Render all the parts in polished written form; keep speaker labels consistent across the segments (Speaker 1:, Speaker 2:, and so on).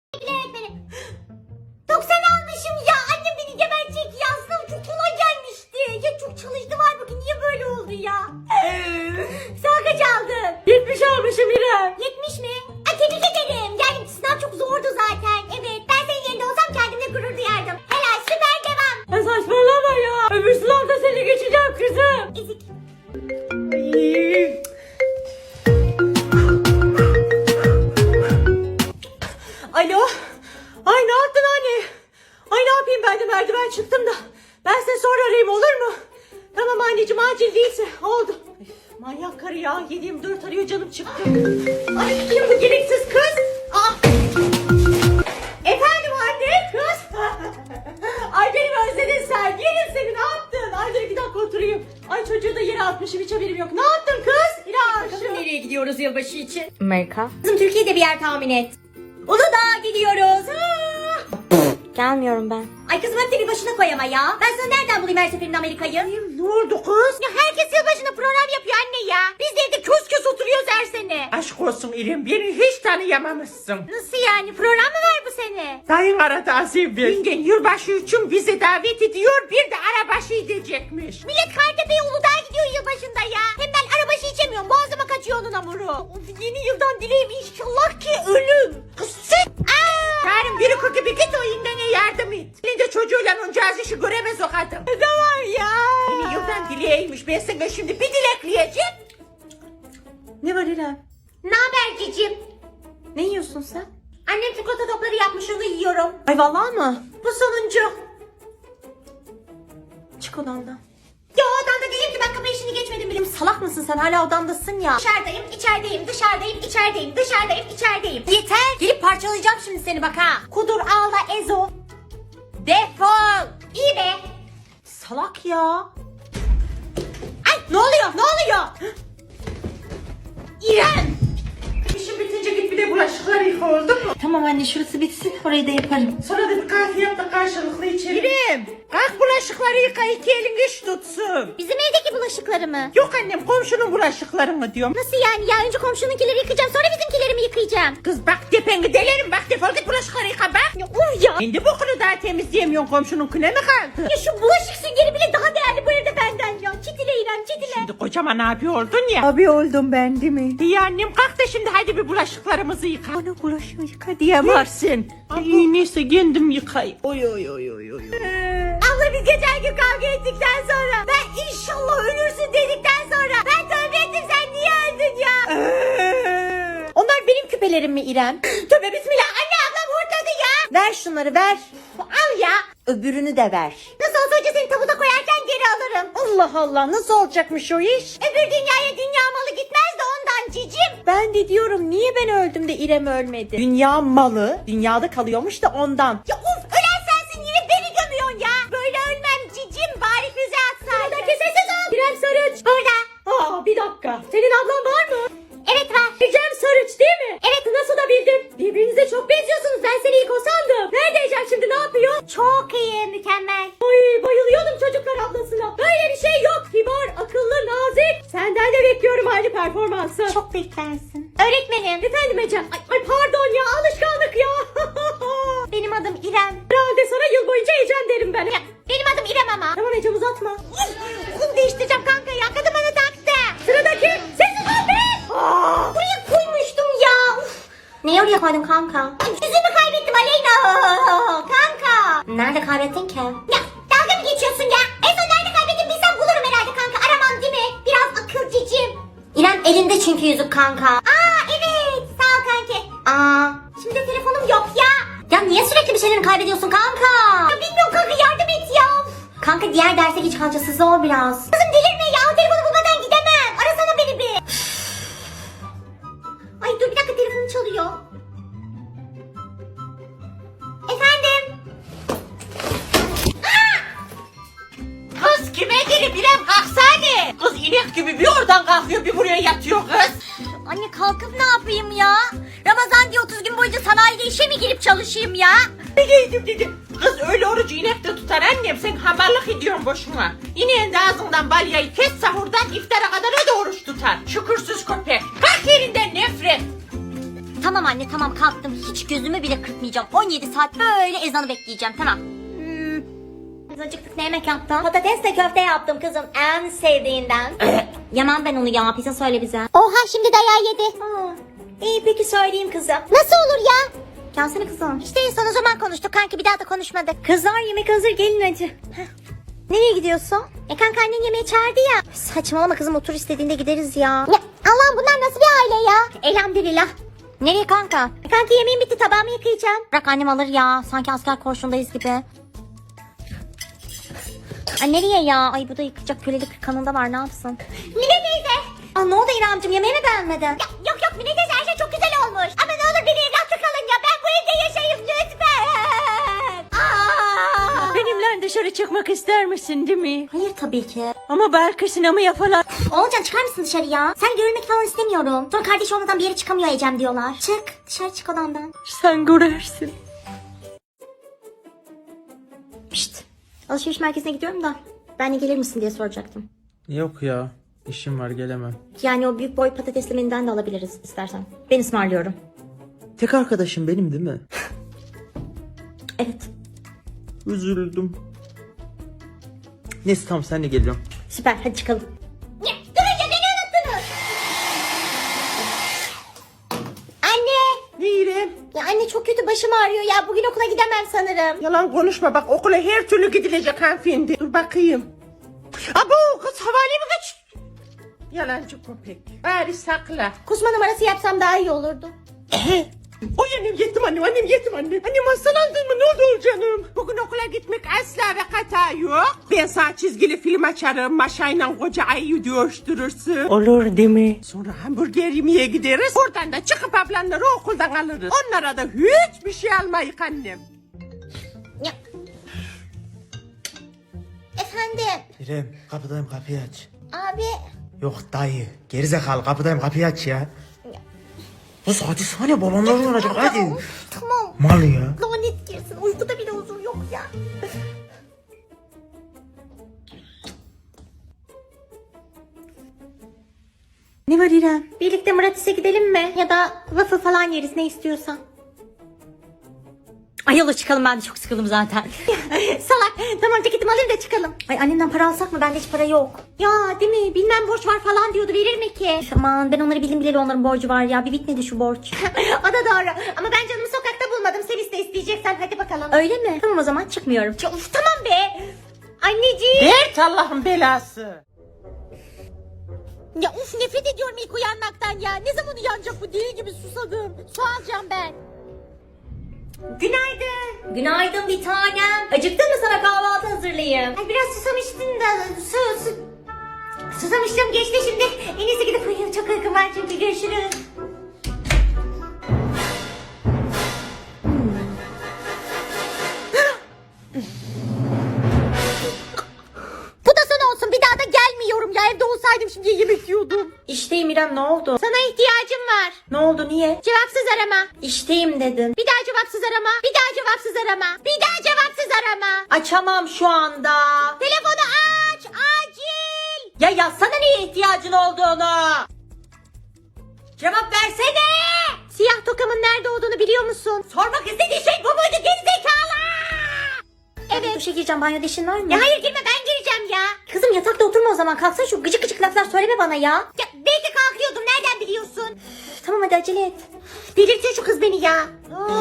Speaker 1: Öğretmenim. 90 almışım ya. Annem beni gebertecek ya. Sınav çok kolay gelmişti. Ya çok çalıştım halbuki niye böyle oldu ya? Sen kaç aldın?
Speaker 2: 70 almışım İrem.
Speaker 1: 70 mi? Tebrik ederim. Yani sınav çok zordu zaten. Evet ben senin yerinde olsam kendimle gurur duyardım. Helal süper devam.
Speaker 2: Ya saçmalama ya. Öbür sınavda seni geçeceğim kızım.
Speaker 1: Ezik.
Speaker 2: Alo. Ay ne yaptın anne? Ay ne yapayım, ben de merdiven çıktım da. Ben seni sonra arayayım, olur mu? Tamam anneciğim, acil değilse. Oldu. Üf, manyak karı ya. 7/24 arıyor, canım çıktı. Ay kim bu gereksiz kız? Aa. Efendim anne, kız. Ay beni özledin sen. Yerim seni, ne yaptın? Ay dur 2 dakika oturayım. Ay çocuğu da yere atmışım, hiç haberim yok. Ne yaptın kız? İlahi. Nereye gidiyoruz yılbaşı için?
Speaker 3: Amerika.
Speaker 1: Kızım Türkiye'de bir yer tahmin et. Uludağ'a gidiyoruz.
Speaker 3: Gelmiyorum ben.
Speaker 1: Ay kızım hep de bir başına koy ama ya. Ben sana nereden bulayım her seferinde Amerika'yı?
Speaker 2: Ne oldu kız?
Speaker 1: Ya herkes yılbaşında program yapıyor anne ya. Biz de evde kös kös oturuyoruz her sene.
Speaker 2: Aşk olsun İrem, beni hiç tanıyamamışsın.
Speaker 1: Nasıl yani? Program mı var bu sene?
Speaker 2: Dayın aradı az evvel. Yengen yılbaşı için bizi davet ediyor, bir de arabaşı edecekmiş.
Speaker 1: Millet Kartepe'ye Uludağ'a gidiyor yılbaşında ya. Hem ben arabaşı içemiyorum. Boğazıma kaçıyor onun hamuru.
Speaker 2: Of, yeni yıldan dileğim inşallah ki ölüm. Kız sen. Yarın biri kır gibi git o indene yardım et. Elinde çocuğuyla oncağız işi göremez o kadın. Ne var ya? Yeni yıldan dileğiymiş. Ben sana şimdi bir dilekleyeceğim. Ne var İrem?
Speaker 1: Ne haber cicim?
Speaker 3: Ne yiyorsun sen?
Speaker 1: Annem çikolata topları yapmış onu yiyorum.
Speaker 3: Ay vallahi mı?
Speaker 1: Bu sonuncu.
Speaker 3: Çık odamdan.
Speaker 1: Ya odanda değilim ki ben kapı işini geçmedim bile.
Speaker 3: Salak mısın sen, hala odamdasın ya.
Speaker 1: Dışarıdayım, içerideyim, dışarıdayım, içerideyim, dışarıdayım, içerideyim. Yeter. Gelip parçalayacağım şimdi seni bak ha. Kudur, ağla, ezo. Defol. İyi be.
Speaker 3: Salak ya.
Speaker 1: Ay ne oluyor, ne oluyor? İrem.
Speaker 2: İşin bitince git bir de bulaşıkları yıka, oldu mu?
Speaker 3: Tamam anne, şurası bitsin, orayı da yaparım.
Speaker 2: Sonra da bir kahve yap da karşılıklı içelim. İrem, kalk bulaşıkları yıka, 2 elin iş tutsun.
Speaker 1: Bizim evdeki bulaşıkları mı?
Speaker 2: Yok annem, komşunun bulaşıklarını diyorum.
Speaker 1: Nasıl yani ya? Önce komşununkileri yıkayacağım sonra bizimkileri mi yıkayacağım?
Speaker 2: Kız bak tepeni delerim, bak defol git bulaşıkları yıka bak.
Speaker 1: Ya uf ya.
Speaker 2: Kendi bokunu daha temizleyemiyorsun, komşununkine mi kaldı?
Speaker 1: Ya şu bulaşık süngeri bile daha değerli bu evde benden ya. Çitile İrem çitile.
Speaker 2: Şimdi kocaman abi oldun ya. Abi oldum ben değil mi? İyi annem, kalk da şimdi hadi bir bulaşıklarımızı yıka. Bana bulaşığı yıka diyemezsin. İyi neyse kendim yıkayım. Oy oy oy oy oy.
Speaker 1: Abla biz geçen gün kavga ettikten sonra ben inşallah ölürsün dedikten sonra ben tövbe ettim sen niye öldün ya?
Speaker 3: Onlar benim küpelerim mi İrem?
Speaker 1: Tövbe bismillah anne ablam hortladı ya.
Speaker 3: Ver şunları, ver.
Speaker 1: Al ya.
Speaker 3: Öbürünü de ver.
Speaker 1: Nasıl olsa önce seni tabuta koyarken geri alırım.
Speaker 3: Allah Allah, nasıl olacakmış o iş?
Speaker 1: Öbür dünyaya dünya malı gitmez de ondan cicim.
Speaker 3: Ben de diyorum, niye ben öldüm de İrem ölmedi? Dünya malı dünyada kalıyormuş da ondan.
Speaker 1: Ya uf ölen sensin yine beni gömüyorsun ya. Böyle ölmem cicim bari füze atsaydın.
Speaker 2: Buradaki sessiz ol.
Speaker 1: İrem Sarıç. Burada.
Speaker 2: Aa bir dakika. Senin ablan var mı?
Speaker 1: Evet var.
Speaker 2: Ecem Sarıç değil mi?
Speaker 1: Evet.
Speaker 2: Nasıl da bildin? Birbirinize çok benziyorsunuz. Ben seni ilk o sandım. Nerede Ecem şimdi, ne yapıyor?
Speaker 1: Çok iyi mükemmel.
Speaker 2: Ay bayılıyordum çocuklar ablasına. Böyle bir şey yok. Kibar, akıllı, nazik. Senden de bekliyorum aynı performansı.
Speaker 1: Çok beklersin. Öğretmenim.
Speaker 2: Efendim Ecem. Ay pardon ya, alışkanlık ya.
Speaker 1: Benim adım İrem.
Speaker 2: Herhalde sana yıl boyunca Ecem derim ben.
Speaker 1: Ya, benim adım İrem ama.
Speaker 2: Tamam Ecem, uzatma.
Speaker 1: Okul değiştireceğim kanka ya. Kadın bana taktı.
Speaker 2: Sıradaki.
Speaker 1: Sessiz ol be. Buraya koymuştum ya. Uf. Niye oraya koydun kanka? Ay, yüzümü kaybettim Aleyna. Kanka.
Speaker 3: Nerede kaybettin ki?
Speaker 1: Ya dalga mı geçiyorsun ya? En son nerede kaybettim bilsem bulurum herhalde kanka. Aramam değil mi? Biraz akıl cicim.
Speaker 3: İrem elinde çünkü yüzük kanka.
Speaker 1: Aa evet. Sağ ol kanki.
Speaker 3: Aa.
Speaker 1: Şimdi de telefonum yok ya.
Speaker 3: Ya niye sürekli bir şeylerini kaybediyorsun kanka?
Speaker 1: Ya bilmiyorum kanka yardım et ya.
Speaker 3: Kanka diğer derse geç kalacağız, zor biraz.
Speaker 1: Kızım delirme ya. O telefonu bulmadan gidemem. Arasana beni bir. Ay dur bir dakika telefonum çalıyor. Efendim?
Speaker 2: Kız kime gelip İrem kalksana. Kız inek gibi bir oradan kalkıyor bir buraya yatıyor kız.
Speaker 1: Anne kalkıp ne yapayım ya? Ramazan diye 30 gün boyunca sanayide işe mi girip çalışayım ya?
Speaker 2: Dedi. Kız öyle orucu inek de tutar annem, sen hamallık ediyorsun boşuna. İneğin de ağzından balyayı kes, sahurdan iftara kadar o da oruç tutar. Şükürsüz köpek. Kalk yerinden nefret.
Speaker 1: Tamam anne tamam kalktım. Hiç gözümü bile kırpmayacağım. 17 saat böyle ezanı bekleyeceğim tamam. Biz acıktık ne yemek yaptın? Patatesle köfte yaptım kızım en sevdiğinden. Yemem ben onu ya pizza söyle bize.
Speaker 4: Oha şimdi dayağı yedi.
Speaker 1: İyi peki söyleyeyim kızım.
Speaker 4: Nasıl olur ya?
Speaker 1: Gelsene kızım.
Speaker 4: İşte en son o zaman konuştuk kanki bir daha da konuşmadık.
Speaker 1: Kızlar yemek hazır gelin hadi. Nereye gidiyorsun?
Speaker 4: Kanka annen yemeğe çağırdı ya.
Speaker 1: Saçmalama kızım otur istediğinde gideriz ya.
Speaker 4: Ya Allah'ım bunlar nasıl bir aile ya?
Speaker 1: Elhamdülillah. Nereye kanka?
Speaker 4: Kanki yemeğim bitti tabağımı yıkayacağım.
Speaker 1: Bırak annem alır ya. Sanki asker koğuşundayız gibi. Ay nereye ya? Ay bu da yıkacak kölelik kanında var ne yapsın?
Speaker 4: Mine teyze.
Speaker 1: Aa ne oldu İremciğim yemeği mi beğenmedin?
Speaker 4: Ya, yok Mine teyze her şey çok güzel olmuş. Ama ne olur beni evlatlı kalın ya. Ben bu evde yaşayayım lütfen.
Speaker 2: Benimle dışarı çıkmak ister misin değil mi?
Speaker 1: Hayır tabii ki.
Speaker 2: Ama belki sinemaya falan.
Speaker 4: Oğulcan çıkar mısın dışarı ya? Sen görülmek falan istemiyorum. Sonra kardeş olmadan bir yere çıkamıyor Ecem diyorlar. Çık dışarı çık odamdan.
Speaker 2: Sen görürsün.
Speaker 1: Pişt. Alışveriş merkezine gidiyorum da. Ben de gelir misin diye soracaktım.
Speaker 5: Yok ya. İşim var gelemem.
Speaker 1: Yani o büyük boy patatesli menüden de alabiliriz istersen. Ben ısmarlıyorum.
Speaker 5: Tek arkadaşım benim değil mi?
Speaker 1: Evet.
Speaker 5: Üzüldüm. Neyse tamam sen de geliyorum.
Speaker 1: Süper hadi çıkalım.
Speaker 4: Ya, durun ya beni unuttunuz. Anne.
Speaker 2: Ne İrem?
Speaker 4: Ya anne çok kötü başım ağrıyor ya. Bugün okula gidemem sanırım.
Speaker 2: Yalan konuşma bak okula her türlü gidilecek hanımefendi. Dur bakayım. Abo kız havale mi kaç? Yalancı köpek. Bari sakla.
Speaker 4: Kusma numarası yapsam daha iyi olurdu.
Speaker 2: Oy annem yetim annem yetim annem. Annem hastalandın mı ne oldu canım? Bugün okula gitmek asla ve kata yok. Ben sana çizgili film açarım. Maşayla koca ayıyı dövüştürürsün. Olur değil mi? Sonra hamburger yemeye gideriz. Oradan da çıkıp ablanları okuldan alırız. Onlara da hiçbir şey almayık annem.
Speaker 4: Ya. Efendim.
Speaker 5: İrem kapıdayım kapıyı aç.
Speaker 4: Abi.
Speaker 5: Yok dayı. Gerizekalı kapıdayım kapıyı aç ya. Kız hadi sana balonlar oynayacak hadi.
Speaker 4: Tamam.
Speaker 5: Mal ya.
Speaker 4: Lanet girsin. Uykuda bile huzur yok ya.
Speaker 2: Ne var İrem?
Speaker 1: Birlikte Muratis'e gidelim mi? Ya da waffle falan yeriz ne istiyorsan. Ay yola çıkalım ben de çok sıkıldım zaten.
Speaker 4: Salak. Tamam ceketimi alayım da çıkalım.
Speaker 1: Ay annemden para alsak mı? Bende hiç para yok.
Speaker 4: Ya değil mi? Bilmem borç var falan diyordu. Verir mi ki?
Speaker 1: Aman ben onları bildim bileli onların borcu var ya. Bir bitmedi şu borç.
Speaker 4: O da doğru. Ama ben canımı sokakta bulmadım. Sen iste isteyeceksen hadi bakalım.
Speaker 1: Öyle mi? Tamam o zaman çıkmıyorum.
Speaker 4: Ya, uf, tamam be. Anneciğim.
Speaker 2: Dert Allah'ın belası.
Speaker 4: Ya uf nefret ediyorum ilk uyanmaktan ya. Ne zaman uyanacak bu deli gibi susadım. Su alacağım ben. Günaydın.
Speaker 1: Günaydın bir tanem. Acıktın mı sana kahvaltı hazırlayayım?
Speaker 4: Ay biraz susamıştım da susamıştım geçti şimdi. En iyisi gidip uyuyayım. Çok uykum var çünkü görüşürüz. Bu da sana olsun. Bir daha da gelmiyorum ya. Evde olsaydım şimdi yemek yiyordum.
Speaker 1: İşteyim İrem ne oldu?
Speaker 4: Sana ihtiyacım var.
Speaker 1: Ne oldu niye?
Speaker 4: Cevapsız arama.
Speaker 1: İşteyim dedin.
Speaker 4: Bir daha cevapsız arama. Bir daha cevapsız arama. Bir daha cevapsız arama.
Speaker 1: Açamam şu anda.
Speaker 4: Telefonu aç. Acil.
Speaker 1: Ya yazsana neye ihtiyacın olduğunu. Cevap versene.
Speaker 4: Siyah tokamın nerede olduğunu biliyor musun?
Speaker 1: Sormak istediğin şey bu muydu gerizekalı?
Speaker 4: Evet.
Speaker 1: Duşa gireceğim banyo deşin var mı?
Speaker 4: Ya hayır girme ben gireceğim ya.
Speaker 1: Kızım yatakta oturma o zaman. Kalksana şu gıcık gıcık laflar söyleme bana ya.
Speaker 4: Ya belki kalkıyordum nereden biliyorsun?
Speaker 1: Üf, tamam hadi acele et.
Speaker 4: Delirtiyor şu kız beni ya.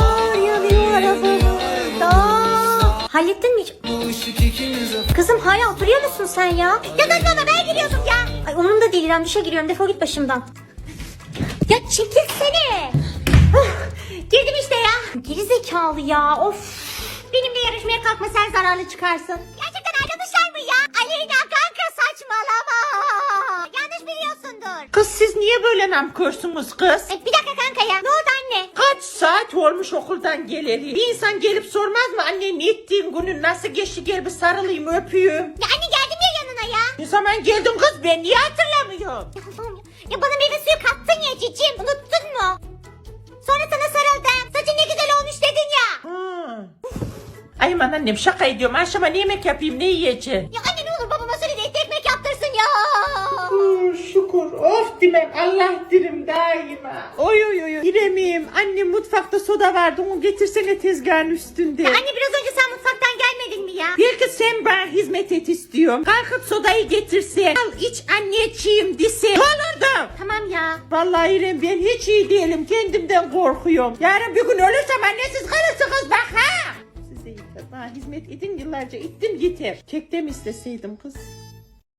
Speaker 1: Hallettin mi hiç? Kızım hala oturuyor musun sen ya?
Speaker 4: Ya saçmalama ben giriyordum ya.
Speaker 1: Ay umurumda değil İrem duşa giriyorum defol git başımdan.
Speaker 4: Ya çekilsene. Girdim işte ya.
Speaker 1: Gerizekalı ya of.
Speaker 4: Benimle yarışmaya kalkma sen zararlı çıkarsın. Gerçekten arkadaşlar mı ya? Aleyna kanka saçmalama. Yanlış biliyorsundur.
Speaker 2: Kız siz niye böyle namkörsünüz kız?
Speaker 4: Bir dakika kanka ya. Ne oldu anne?
Speaker 2: Kaç saat olmuş okuldan geleli. Bir insan gelip sormaz mı anne ne ettiğin günün nasıl geçti gel bir sarılayım öpeyim.
Speaker 4: Ya anne geldim ya yanına ya.
Speaker 2: Ne zaman geldin kız ben niye hatırlamıyorum?
Speaker 4: Ya Allah'ım ya. Ya bana meyve suyu kattın ya cicim. Unuttun mu? Sonra sana sarıldım. Saçın ne güzel olmuş dedin ya.
Speaker 2: Ay aman annem şaka ediyorum. Akşama ne yemek yapayım ne yiyeceğim?
Speaker 4: Ya anne ne olur babama söyle de ekmek yaptırsın ya.
Speaker 2: Şükür
Speaker 3: Of demem Allah dirim daima. Oy oy oy. İremim annem mutfakta soda vardı onu getirsene tezgahın üstünde.
Speaker 4: Anne biraz önce sen mutfaktan gelmedin mi ya?
Speaker 3: Belki sen bana hizmet et istiyorum. Kalkıp sodayı getirsen. Al iç anneciğim dese. Olurdu.
Speaker 4: Tamam ya.
Speaker 3: Vallahi İrem ben hiç iyi değilim. Kendimden korkuyorum. Yarın bir gün ölürsem annesiz kalırsınız bak ha. Size yeter. Bana hizmet edin yıllarca ettim yeter. Kek de mi isteseydim kız?